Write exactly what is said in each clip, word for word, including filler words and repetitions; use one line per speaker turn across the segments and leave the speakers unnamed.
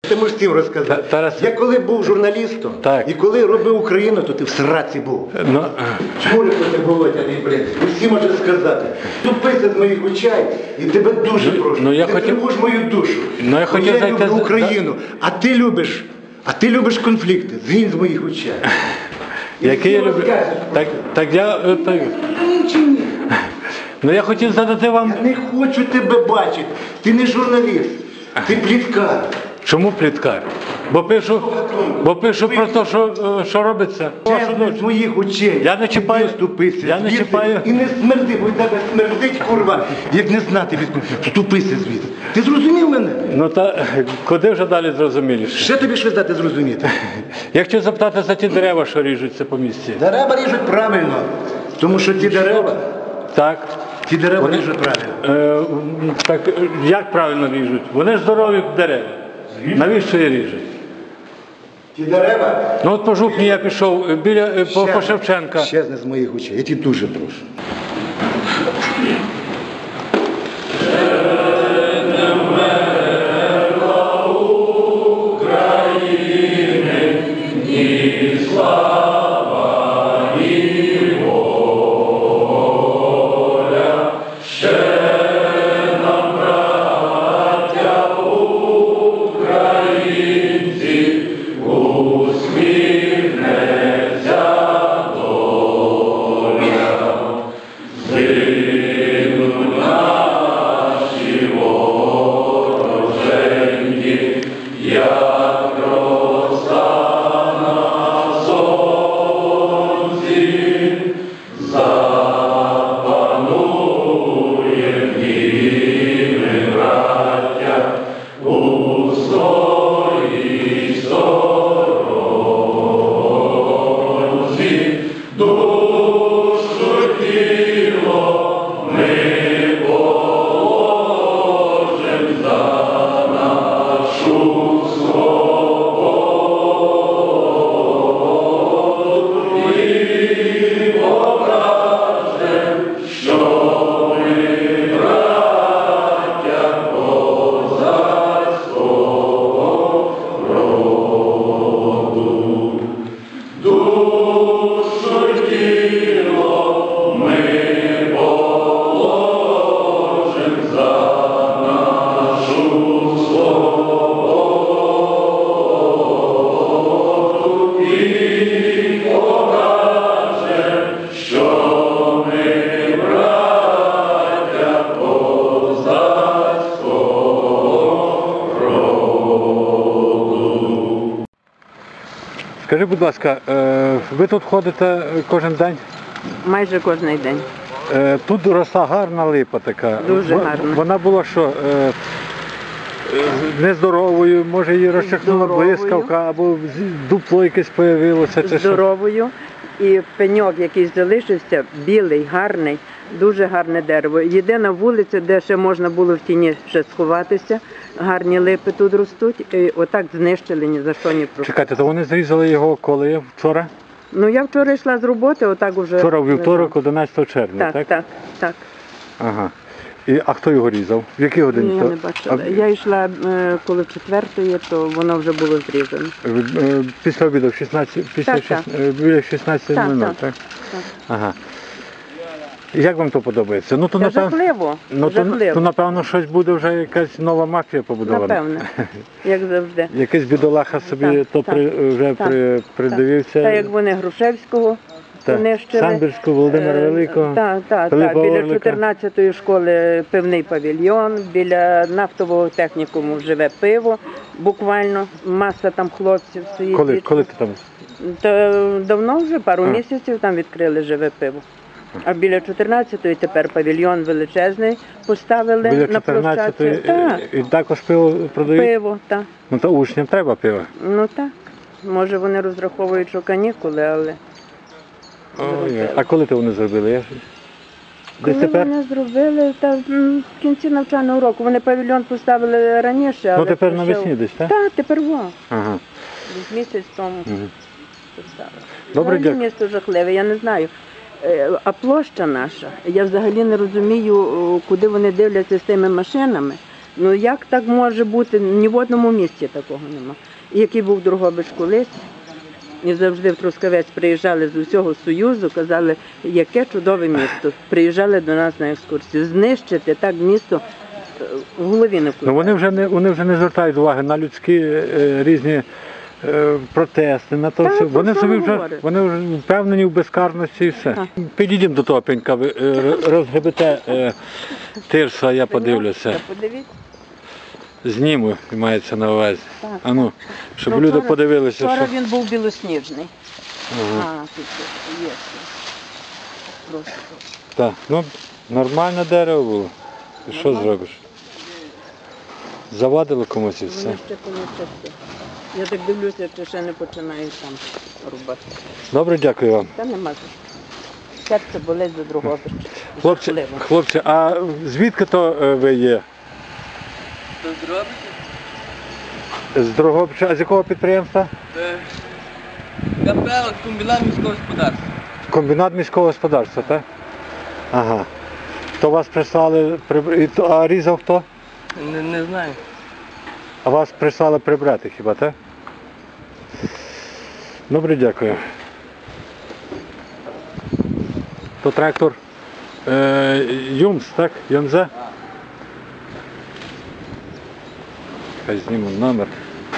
Ти можеш всім розказати.
Тарас...
Я коли був журналістом,
так.
І коли робив Україну, то ти в сраці був.
Ну...
Чому не Володя, блін? Всі можуть сказати. Тупися з моїх очей, і тебе дуже прошу.
Ну, я
ти
хотів...
тривож мою душу.
Ну, я хотів
я
зайти...
люблю Україну, а ти любиш, а ти любиш конфлікти. Згинь з моїх очей.
Який я люблю? Так, так я... Так... Ну я хотів задати вам...
Я не хочу тебе бачити. Ти не журналіст, ти пліткар.
Чому пліткар? Бо пишу, бо пишу про те, що, що робиться.
З моїх очей.
Я не чіпаю.
Ступися.
Я не чіпаю.
І не смерди, бо тебе смердить, курва, як не знати від курва. Ступися звідси. Ти зрозумів мене?
Ну та куди вже далі зрозуміліше?
Ще тобі щось дати зрозуміти.
Я хотів запитати за ті дерева, що ріжуться по місці.
Дерева ріжуть правильно. Тому що ті дерева...
Так.
Ті дерева Вони... ріжуть правильно.
Е, так як правильно ріжуть? Вони ж здорові дерева. Навіщо її ріжуть?
Ті дерева?
Ну от по Жупні я пішов біля по, по Шевченка.
Щезне з моїх очей. Я тебе дуже прошу.
Скажи, будь ласка, ви тут ходите кожен день?
Майже кожен день.
Тут росла гарна липа така.
Дуже гарна.
Вона була що, нездоровою, може її розчахнула блискавка, або дупло якесь з'явилося?
Здоровою. І пеньок, який залишився, білий, гарний, дуже гарне дерево. Єдина вулиця, де ще можна було в тіні ще сховатися, гарні липи тут ростуть, і отак знищили, ні за що не просто.
Чекайте, то вони зрізали його коли? Вчора?
Ну, я вчора йшла з роботи, отак уже...
Вчора, у вівторок, одинадцятого червня,
так?
Так,
так, так.
Ага. І, а хто його різав? В якій годині?
Я не бачила. А... Я йшла е, коли четвертої, то воно вже було зрізано.
Після обіду, в шістнадцять, після
так,
шість... так. Біля шістнадцяти нуль нуль, так?
Так, так.
Ага. Як вам то подобається? Ну, то,
Це
напевно,
жахливо.
ну,
жахливо.
То, то, напевно, щось буде вже якась нова мафія побудована.
Напевно, як завжди.
Якийсь бідолаха собі
так,
то
так,
при, вже
так,
при, придивився.
Так, як вони Грушевського понищили.
Самбірського, Володимира Великого,
Так, так, так. Біля чотирнадцятої школи пивний павільйон, біля нафтового технікуму живе пиво, буквально, маса там хлопців стоїть.
Коли, коли ти там?
То давно вже, пару а. місяців там відкрили живе пиво. А біля чотирнадцятої тепер павільйон величезний поставили
біля
на площадці.
І, і також пиво продають?
Пиво, так.
Ну то учням треба пиво?
Ну так. Може вони розраховують, що канікули, але...
Ой, а коли ти вони зробили? Я...
Коли тепер? Вони зробили, та в кінці навчального року. Вони павільйон поставили раніше, але...
Ну тепер навесні десь, так?
Так, тепер во.
Ага.
Десь місяць тому угу. поставили.
Добре, дякую.
Місто жахливе, я не знаю. А площа наша, я взагалі не розумію, куди вони дивляться з тими машинами. Ну як так може бути? Ні в одному місті такого нема. І який був Дрогобич колись, і завжди в Трускавець приїжджали з усього Союзу, казали, яке чудове місто. Приїжджали до нас на екскурсію. Знищити так місто е, в голові не
Ну вони вже не вони вже не звертають уваги на людські е, різні е, протести, на то
Та,
все.
про
Вони
що
собі
ви
вже
говорите?
вони вже впевнені в безкарності і все.
Так.
Підійдемо до того пенька, ви е, р- розгребете е, тирса, я подивлюся.
Та подивіться.
Зніму, мається на увазі.
Так.
А ну, щоб
Ну,
люди
вчора-
подивилися,
Вчора
що.
він був білосніжний.
Ага.
А, тут є. Просто.
Так, ну нормальне дерево було. І що зробиш? Завадило комусь і все.
Вони ще помічаться. Я так дивлюся, чи ще не починають там рубати.
Добре, дякую вам.
Та нема за що. Серце болить за другого.
Хлопці,
Жахливо.
хлопці, а звідки то е, ви є? З Дрогобича, а з якого підприємства?
КП комбінат міського господарства.
Комбінат міського господарства, так? Ага. То вас прислали, прибр- і то- а різав хто?
Не, не знаю.
А вас прислали прибрати хіба, так? Добре, дякую. То трактор е, Юмс, так? Юмзе? Хай зніму номер.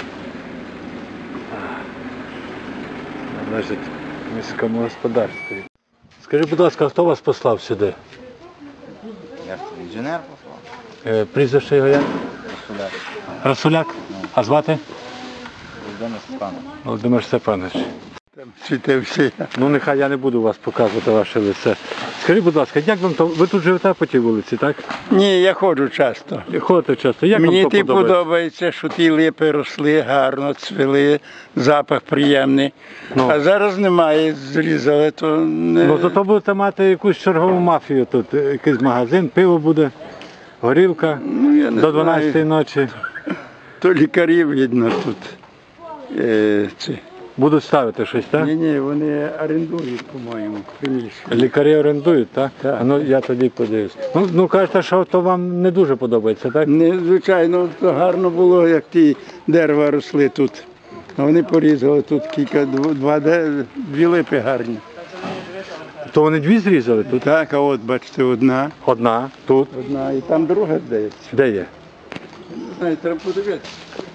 Належить міському господарстві. Скажіть, будь ласка, хто вас послав сюди?
Я ж інженер послав.
Е, прізвище його як?
Суляк.
Расуляк? А звати?
Володимир Степанович.
Володимир Степанович.
Світився.
Ну нехай я не буду вас показувати ваше лице. Скажіть, будь ласка, як вам то? Ви тут живете по тій вулиці, так?
Ні, я ходжу часто.
Ходите часто. Як
Мені
вам то
ті
подобається?
подобається, що ті липи росли гарно, цвіли, запах приємний.
Ну.
А зараз немає, зрізали, то не...
Ну то, то будете мати якусь чергову мафію тут, е, якийсь магазин, пиво буде, горілка
Ну, я не
до дванадцятої
знаю.
ночі.
То лікарі, видно, тут. Е, ці.
Будуть ставити щось, так?
Ні, ні, вони орендують, по-моєму, приміщення.
Лікарі орендують, так?
Так.
А ну я тоді подивлюсь. Ну, ну кажете, що то вам не дуже подобається, так?
Не, звичайно, то гарно було, як ті дерева росли тут. А вони порізали тут кілька, дв- два, де- дві липи гарні.
То вони дві зрізали тут?
Так, а от бачите, одна,
Одна, тут.
одна, і там друга, здається.
Де є?
Не знаю, треба подивитися.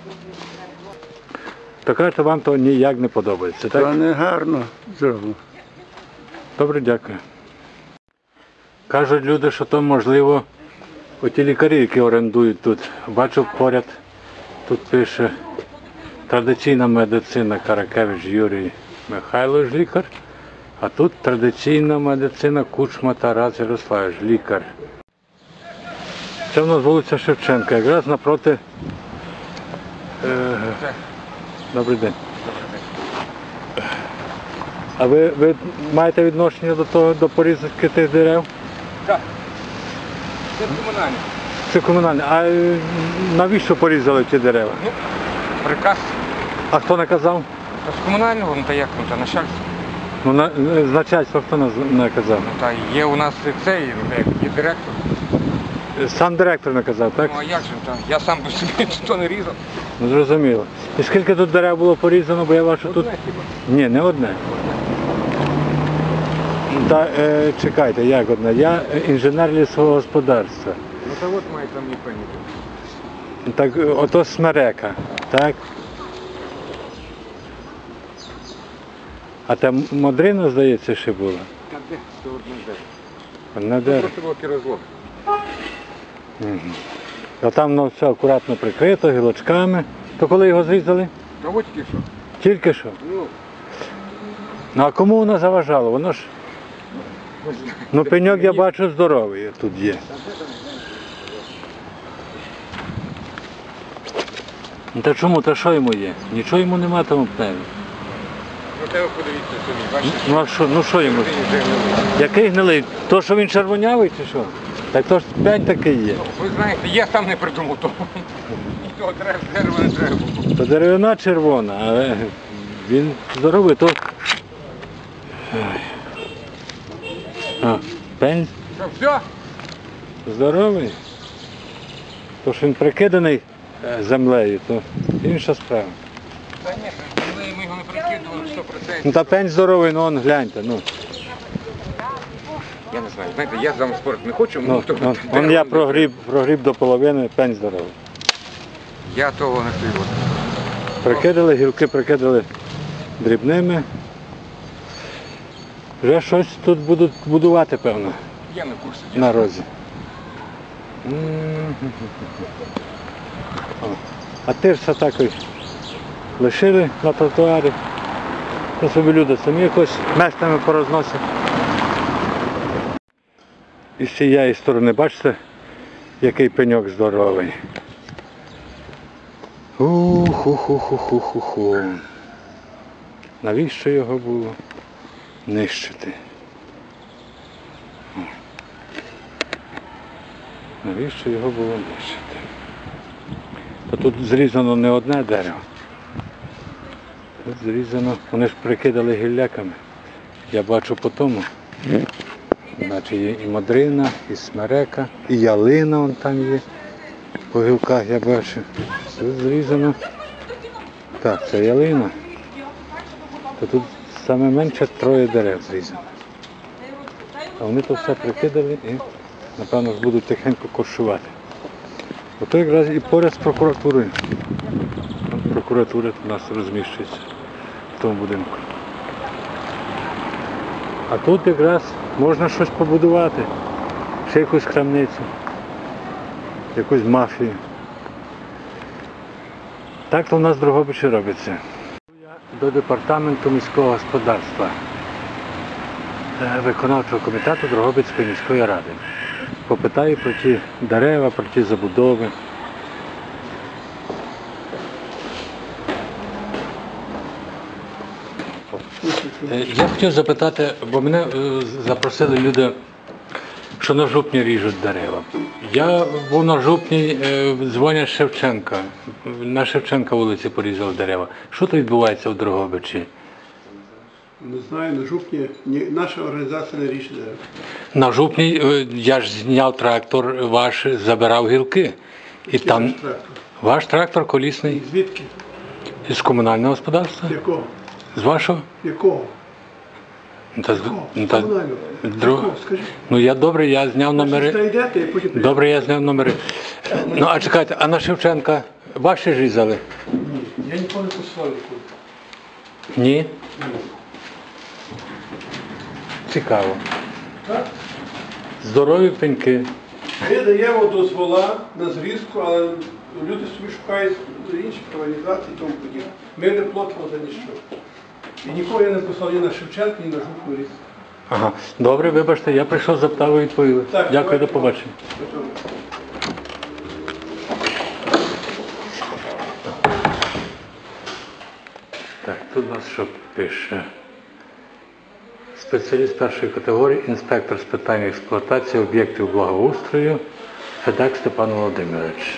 То кажете, вам то ніяк не подобається,
То
так?
не гарно зроблено.
Добре, дякую. Кажуть люди, що то можливо оті лікарі, які орендують тут. Бачу поряд, тут пише традиційна медицина Каракевич Юрій Михайлович, лікар. А тут традиційна медицина Кучма Тарас Ярославович, лікар. Це в нас вулиця Шевченка, якраз напроти. Е, добрий день. А ви, ви маєте відношення до того, до порізки тих дерев?
Так. Це комунальне.
Це комунальне. А е, навіщо порізали ті дерева?
Ну, приказ.
А хто наказав?
А з комунального, ну та як, ну та начальство.
Ну, на, з начальства хто наз- наказав?
Ну та є у нас і цей, ну, як, є директор.
Сам директор наказав, так?
Ну а як же, та, я сам би собі ніхто не різав.
Ну, зрозуміло. І скільки тут дерев було порізано, бо я бачу тут...
Одне хіба.
Ні, не одне. Та, е, чекайте, як одне? Я е, інженер лісового господарства.
Ну та от має там і пені.
Так, е, ото смерека, так? А там модрина, здається, ще була.
Та де? Це одне дерево.
Одне дерево.
Просто було розлог.
А там воно все акуратно прикрито, гілочками. То коли його зрізали?
Та от тільки що.
Тільки що.
Ну,
Ну а кому воно заважало? Воно ж. Ну пеньок я бачу здоровий тут є. Ну та чому? Та що йому є? Нічого йому нема тому пневі.
ну тебе подивіться собі, бачите?
Ну а що, ну що йому?
Він вже гнилий.
Який гнилий? То, що він червонявий чи що? Так то ж п'ять такий є.
Ви знаєте, я сам не придумав того. Ніхто дерева дерева не треба було.
То деревина червона, але він здоровий, то. Ой. А, пень
Що, все?
здоровий. То, що він прикиданий е, землею, то інша справа.
Та ні, коли ми його не прикидували сто процентів.
Ну та пень здоровий, ну он гляньте. Ну,
Я не знаю, знаєте, я з вами спорити не хочу,
ну,
то-
он,
то-
он я прогріб, прогріб до половини, пень здоровий.
Я того не пив.
Прикидали, гілки прикидали дрібними. Вже щось тут будуть будувати, певно,
Я не в курсі.
на розі. М. О, А тирса так ось лишили на тротуарі. То собі люди самі якось мешками порозносять. І з цієї сторони, бачите, який пеньок здоровий. Уху-ху-ху-ху-ху-ху. Навіщо його було нищити? Навіщо його було нищити? Та тут зрізано не одне дерево. Тут зрізано, вони ж прикидали гілляками. Я бачу по тому. Значить, є і мадрина, і смерека, і ялина вон там є. По гілках я бачу. Тут зрізано. Так, це ялина. То тут саме менше троє дерев зрізано. А вони то все прикидали і, напевно, ж будуть тихенько коршувати. Ото якраз і поряд з прокуратурою. От прокуратура у нас розміщується в тому будинку. А тут якраз можна щось побудувати. Ще якусь крамницю, якусь мафію. Так то в нас в Дрогобичі робиться. До департаменту міського господарства, е, виконавчого комітету Дрогобицької міської ради. Попитаю про ті дерева, про ті забудови. Е, Я хотів запитати, бо мене е, запросили люди, що на жупні ріжуть дерева. Я був на жупні, е, дзвонять Шевченка. На Шевченка вулиці порізали дерева. Що тут відбувається в Дрогобичі?
Не знаю, на жупні ні, наша організація не рішить дерева.
На жупні е, я ж зняв трактор ваш, забирав гілки. І там
Наш трактор.
ваш трактор колісний
Звідки?
із комунального господарства?
Якого?
З вашого?
Якого?
Ну, Та, з-
Якого?
ну, та-
Комунального.
дру-
Якого? Скажіть.
ну я добре, я зняв номери.
Значить, знайдете і потім прийдете.
Добре, я зняв номери. Ну а чекайте, а на Шевченка ваші ж різали?
Ні, я ніколи не посилав нікуди.
Ні? Цікаво.
Так?
Здорові пеньки.
Ми даємо дозвола на зрізку, але люди собі шукають інші організації і тому подібне. Ми не платимо за ніщо. І нікого я не послав ні на Шевченка, ні на жупну різку.
Ага. Добре, вибачте, я прийшов, запитав, ви відповіли.
Так,
Дякую,
давайте.
до побачення. Так, тут у нас що пише? Спеціаліст першої категорії, інспектор з питань експлуатації об'єктів благоустрою, Федак Степан Володимирович.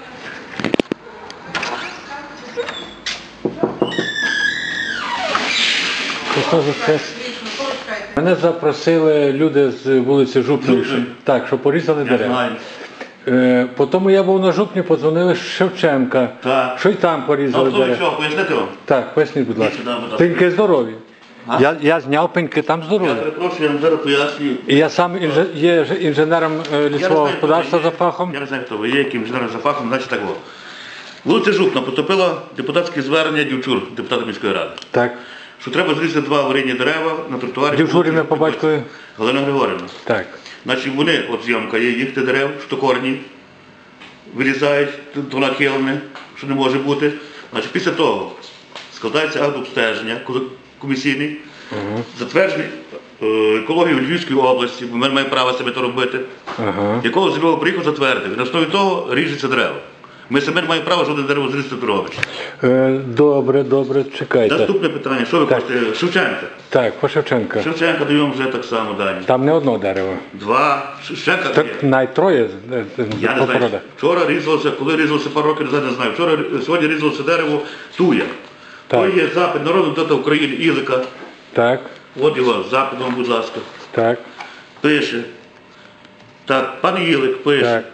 Христос Воскрес. Мене запросили люди з вулиці Жупної, що- так, що порізали дерева.
знаю.
Е, Потім я був на Жупні, подзвонили з Шевченка,
Так.
що й там порізали
Ну, хто ви
дерева.
що, пояснити вам?
Так, поясніть, будь ласка.
сюди, будь ласка.
Пеньки здорові.
А?
Я, я зняв пеньки, там
Я
здорові.
перепрошую, я вам зараз пояснюю.
І я сам інже, є ж інженером е,
Я не
лісового
знаю,
господарства
хто ви
за
є.
фахом.
Я не знаю, хто ви є, яким інженером за фахом, значить так було. Вулиця Жупна поступило депутатське звернення Дівчур, депутата міської ради,
Так.
що треба зрізати два аварійні дерева на тротуарі.
Дівчур ім'я по батькові?
Галина Григорівна.
Так.
Значить, вони, от зйомка є, їхати дерев, штокорні, вирізають, то нахилене, що не може бути. Значить, після того складається акт обстеження коли- комісійний, затверджений е, екологією Львівської області, бо ми маємо право себе то робити,
Ага.
якого зробив приїхав затвердив. І на основі того ріжеться дерева. Ми себе не маємо права жодне дерево зрізати в Дрогобичі.
Е, добре, добре, чекайте.
Наступне питання, що ви
Так.
хочете? Шевченка.
Так, по Шевченка.
Шевченка даємо вже так само дані.
Там не одно дерево.
Два. Шевченка
Так
є.
навіть троє е, е,
Я не
по
знаю.
породах.
Вчора різалося, коли різалося пару років назад, не знаю. Вчора сьогодні різалося дерево туя.
Так.
То є запит народного депутата України Ілика.
Так,
От його запитом, будь ласка.
так,
Пише. Так, пан Ілик пише.
так.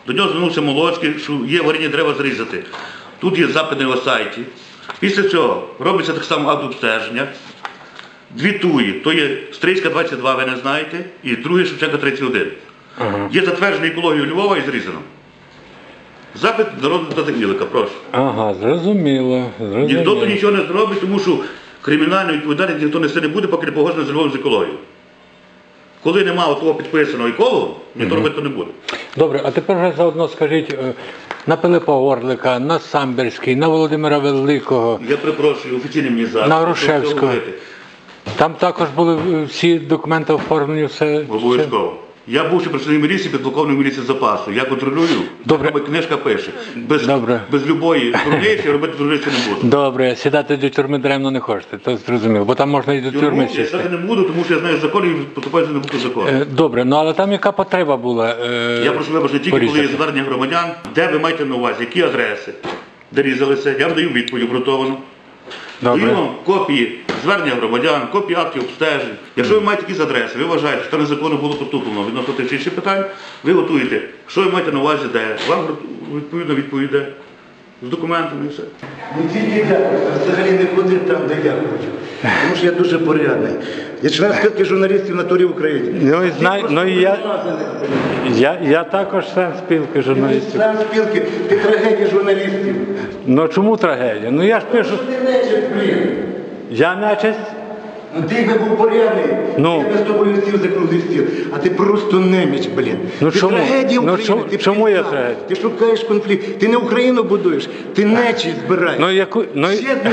До нього звернувся Молоцький, що є аварійні дерева зрізати. Тут є запит на його сайті. Після цього робиться так само акт обстеження. Дві туї, то є Стрийська двадцять два, ви не знаєте, і друге Шевченка тридцять один.
Ага.
Є затверджена екологію Львова і зрізано. Запит народного депутата Ілика, прошу.
Ага, зрозуміло. зрозуміло.
Ніхто тут нічого не зробить, тому що кримінальної відповідальність ніхто несе не буде, поки не погоджено з Львовом з екологією. Коли немає того підписаного еколога, ніхто робити не буде.
Добре, а тепер вже заодно скажіть, е, на Пилипа Орлика, на Самбірський, на Володимира Великого,
Я перепрошую, офіційний мені запит.
на Грушевського. Там також були е, всі документи оформлені, все.
Обов'язково. Я бувши працівник міліції, підполковник міліції запасу. Я контролюю,
Добре.
як книжка пише. Без,
Добре.
без любої дурниці робити дурниці не буду.
Добре, сідати до тюрми даремно не хочете, то зрозуміло, бо там можна і до тюрми
Тюрму я
сісти.
так не буду, тому що я знаю закон і поступаю за не буду закон.
Е, Добре, ну але там яка потреба була? е,
Я прошу вибачення тільки, коли є
порізати?
звернення громадян, де ви маєте на увазі, які адреси, де різалися, я вам даю відповідь обґрунтовану. Даю
Добре.
вам копії звернення громадян, копії актів обстежень. Якщо ви маєте якісь адреси, ви вважаєте, що це незаконно було поступлено відносно тих чи інших питань, ви готуєте, що ви маєте на увазі, де, вам відповідно відповіде з документами і все.
Не тільки дякую, а взагалі не ходить там, де я хочу. Тому що я дуже порядний. Я член спілки журналістів на турі в Україні.
Ну і знай, ну і я, я, я також член спілки
Ти
журналістів.
член спілки, ти трагедія журналістів.
Ну чому трагедія? Ну я ж пишу,
Ти нечисть, блін.
я нечисть.
Ну ти якби був порядний,
Ну.
я би з тобою сів за круглий стіл. А ти просто неміч, блін.
Ну,
ти
чому?
трагедія
Ну,
України.
чому-
ти
чому я
пізда.
трагедія?
Ти шукаєш конфлікт. Ти не Україну будуєш, ти нечість збираєш.
Ну яку, ну,
Ще одну.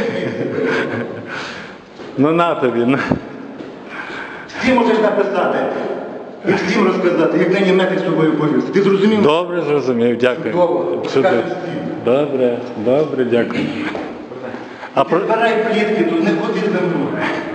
ну на тобі. Ну.
Всі можеш написати. І всім розказати, як нині метр з собою борюся. Ти зрозумів?
Добре, зрозумів, дякую.
Чудово.
Чудово.
Скажеш всім.
Добре, добре, дякую. А про...
Збирай плітки, тут не ходи за мною.